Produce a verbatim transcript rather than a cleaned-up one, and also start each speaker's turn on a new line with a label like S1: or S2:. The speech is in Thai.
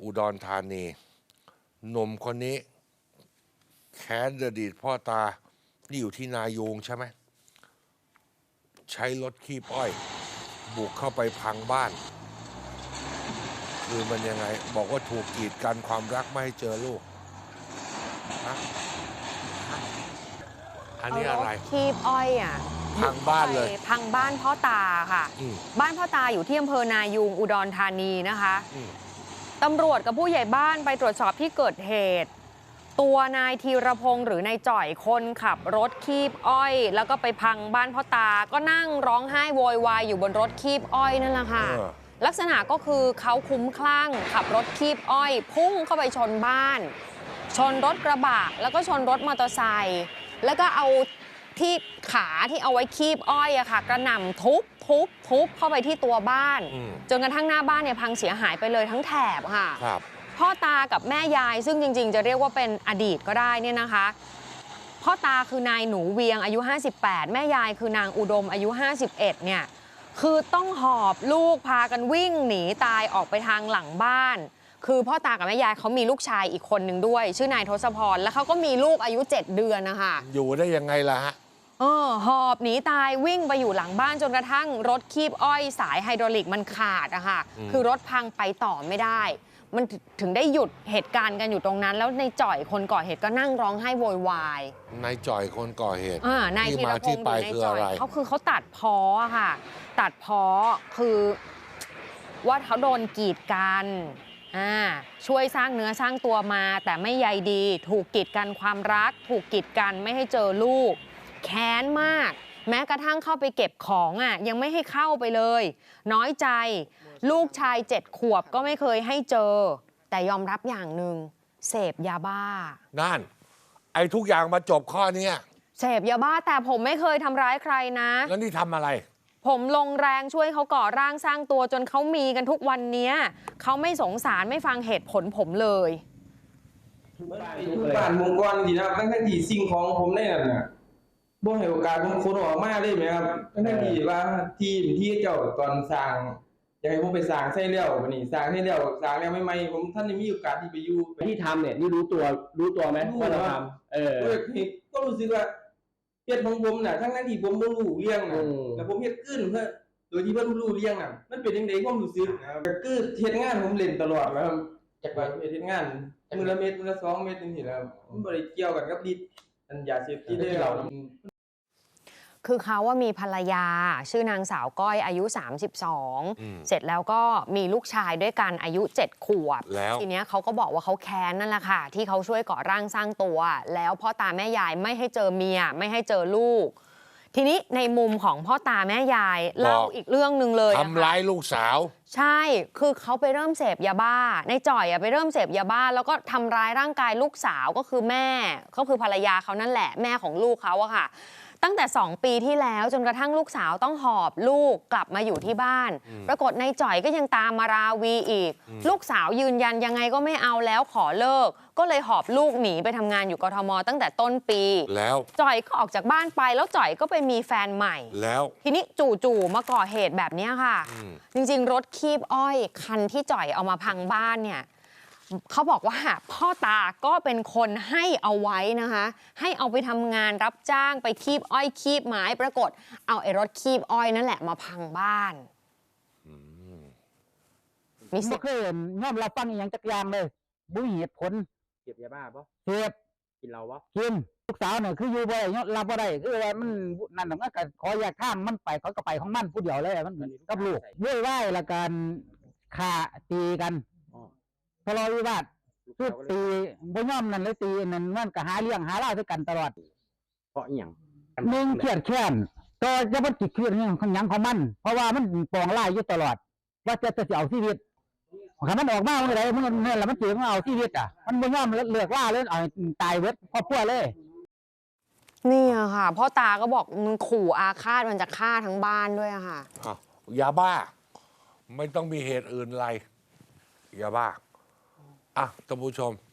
S1: อุดรธานีหนุ่มคนนี้แค้นอดีตพ่อตานี่อยู่ที่นายูงใช่ไหมใช้รถคีบอ้อยบุกเข้าไปพังบ้านคือมันยังไงบอกว่าถูกกีดกันความรักไม่ให้เจอลูกฮะอันนี้อะไร
S2: คีบอ้อยอ่ะ
S1: พังบ้านเลย
S2: พังบ้านพ่อตาค่ะบ้านพ่อตาอยู่ที่อำเภอนายูงอุดรธานีนะคะตำรวจกับผู้ใหญ่บ้านไปตรวจสอบที่เกิดเหตุตัวนายธีรพงศ์หรือนายจ่อยคนขับรถคีบอ้อยแล้วก็ไปพังบ้านพ่อตาก็นั่งร้องไห้โวยวายอยู่บนรถคีบอ้อยนั่นแหละค่ะลักษณะก็คือเขาคุ้มคลั่งขับรถคีบอ้อยพุ่งเข้าไปชนบ้านชนรถกระบะแล้วก็ชนรถมอเตอร์ไซค์แล้วก็เอาที่ขาที่เอาไว้คีบอ้อยอะค่ะกระหน่ำทุบทุบทุบเข้าไปที่ตัวบ้านจนกระทั่งหน้าบ้านเนี่ยพังเสียหายไปเลยทั้งแถบค่ะพ่อตากับแม่ยายซึ่งจริงๆจะเรียกว่าเป็นอดีตก็ได้เนี่ยนะคะพ่อตาคือนายหนูเวียงอายุห้าสิบแปดแม่ยายคือนางอุดมอายุห้าสิบเอ็ดเนี่ยคือต้องหอบลูกพากันวิ่งหนีตายออกไปทางหลังบ้านคือพ่อตากับแม่ยายเขามีลูกชายอีกคนหนึ่งด้วยชื่อนายทศพรแล้วเขาก็มีลูกอายุเจ็ดเดือนนะคะ
S1: อยู่ได้ยังไงล่ะฮะ
S2: เออหอบหนีตายวิ่งไปอยู่หลังบ้านจนกระทั่งรถคีบอ้อยสายไฮดรอลิกมันขาดอะค่ะคือรถพังไปต่อไม่ได้มันถึงได้หยุดเหตุการณ์กันอยู่ตรงนั้นแล้วในจ่อยคนก่อเหตุก็นั่งร้องไห้โวยวาย
S1: นายจ่อยคนก่อเหตุ
S2: อ่านายธีรพงศ์อยู่ในจ่อยเขาคือเขาตัดพ้อค่ะตัดพ้อคือว่าเขาโดนกีดกันอ่าช่วยสร้างเนื้อสร้างตัวมาแต่ไม่ใยดีถูกกีดกันความรักถูกกีดกันไม่ให้เจอลูกแค้นมากแม้กระทั่งเข้าไปเก็บของอ่ะยังไม่ให้เข้าไปเลยน้อยใจลูกชายเจ็ดขวบก็ไม่เคยให้เจอแต่ยอมรับอย่างหนึ่งเสพยาบ้า
S1: นั่นไอ้ทุกอย่างมาจบข้อนี้
S2: เสพยาบ้าแต่ผมไม่เคยทำร้ายใครนะ
S1: แล้วนี่ทำอะไร
S2: ผมลงแรงช่วยเขาก่อร่างสร้างตัวจนเขามีกันทุกวันนี้เขาไม่สงสารไม่ฟังเหตุผลผมเลย
S3: ทุกบ้านผมก่อนดีนะครับตั้งแต่ที่สิ่งของผมได้นั่นน่ะบ่ให้โอกาสผมคนออกมาเลยไหมครับตั้งแต่ที่ว่าทีมที่เจ้าตอนสร้างอยากให้ผมไปสร้างใช่แล้ววันนี้สร้างให้แล้วสร้างแล้วใหม่ๆผมท่านได้มีโอกาสที่ไปอยู่
S4: ที่ทำเนี่ยนี่รู้ตัวรู้ตัวไหมว่าเราทำเออ
S3: ก็รู้สึกว่าเฮ็ดของผมน่ะทั้งนั้นที่ผมบ่รู้เรื่องน่ะแล้วผมเฮ็ดขึ้นเพื่อโดยที่บ่รู้เรื่องน่ะมันเป็นจังได๋ความรู้สึกก็คือเฮ็ดงานผมเล่นตลอดแล้วจักว่าเฮ็ดงานมื้อละเม็ดมื้อละสองเม็ดจังซี่แล้วมันบ่ได้เกี่ยวกันกับฤทธิ์อันยาเสพติดได้เรา
S2: คือเขาว่ามีภรรยาชื่อนางสาวก้อยอายุสามสิบสองเสร็จแล้วก็มีลูกชายด้วยกันอายุเจ็ดขวบทีนี้เขาก็บอกว่าเขาแค้นนั่นแหละค่ะที่เขาช่วยก่อร่างสร้างตัวแล้วพ่อตาแม่ยายไม่ให้เจอเมียไม่ให้เจอลูกทีนี้ในมุมของพ่อตาแม่ยายเล่าอีกเรื่องหนึ่งเลย
S1: ทำร้ายลูกสาว
S2: ใช่คือเขาไปเริ่มเสพยาบ้าในจ่อยไปเริ่มเสพยาบ้าแล้วก็ทำร้ายร่างกายลูกสาวก็คือแม่ก็คือภรรยาเขานั่นแหละแม่ของลูกเขาอะค่ะตั้งแต่สองปีที่แล้วจนกระทั่งลูกสาวต้องหอบลูกกลับมาอยู่ที่บ้านปรากฏนายจ่อยก็ยังตามมาราวีอีกลูกสาวยืนยันยังไงก็ไม่เอาแล้วขอเลิกก็เลยหอบลูกหนีไปทำงานอยู่กทมตั้งแต่ต้นปี
S1: แล้ว
S2: จ่อยก็ออกจากบ้านไปแล้วจ่อยก็ไปมีแฟนใหม่
S1: แล้ว
S2: ทีนี้จู่ๆมาก่อเหตุแบบนี้ค่ะจริงๆรถคีบอ้อยคันที่จ่อยเอามาพังบ้านเนี่ยเขาบอกว่าพ่อตาก็เป็นคนให้เอาไว้นะคะให้เอาไปทำงานรับจ้างไปคีบอ้อยคีบไม้ปรากฏเอาไอ้รถคีบอ้อยนั่นแหละมาพังบ้าน
S5: มีสิทธิ์เคยยอมรับฟังอย่างจักรยานเลยบุ้ยเหตุผล
S4: เก็บยาบ้าปะ
S5: เสพ
S4: กินเราปะ
S5: กินลูกสาวเนี่ยคืออยู่บ่ได้ยอมรับบ่ได้คือว่ามันนั่นหรอกก็ขออยากข้ามมันไปเขาก็ไปของมันผู้เดียวเลยมันกับลูกเว้ยไหวละกันฆ่าตีกันทะเลาะวิวาทคือตีบ่ยอมนั่นเลยตีนั่นมันก็หาเรื่องหาเล่าด้วยกันตลอด
S4: เพราะอย่าง
S5: หนึ่งเครียดแค้นก็จะมันจิตเครียดเนี่ยของยังของมันเพราะว่ามันปองไล่อยู่ตลอดว่าจะจะเอาชีวิตถ้ามันออกมาเมื่อไรมันเนี่ยแล้วมันเจอมันเอาชีวิตอ่ะมันบ่ยอมเลือกล่าเลยเอาตายเวทครอบครัวเลย
S2: นี่ค่ะพ่อตาก็บอกมันขู่อาฆาตมันจะฆ่าทั้งบ้านด้วยอะค่ะ
S1: ยาบ้าไม่ต้องมีเหตุอื่นไรยาบ้าอ่ะท่านผู้ชม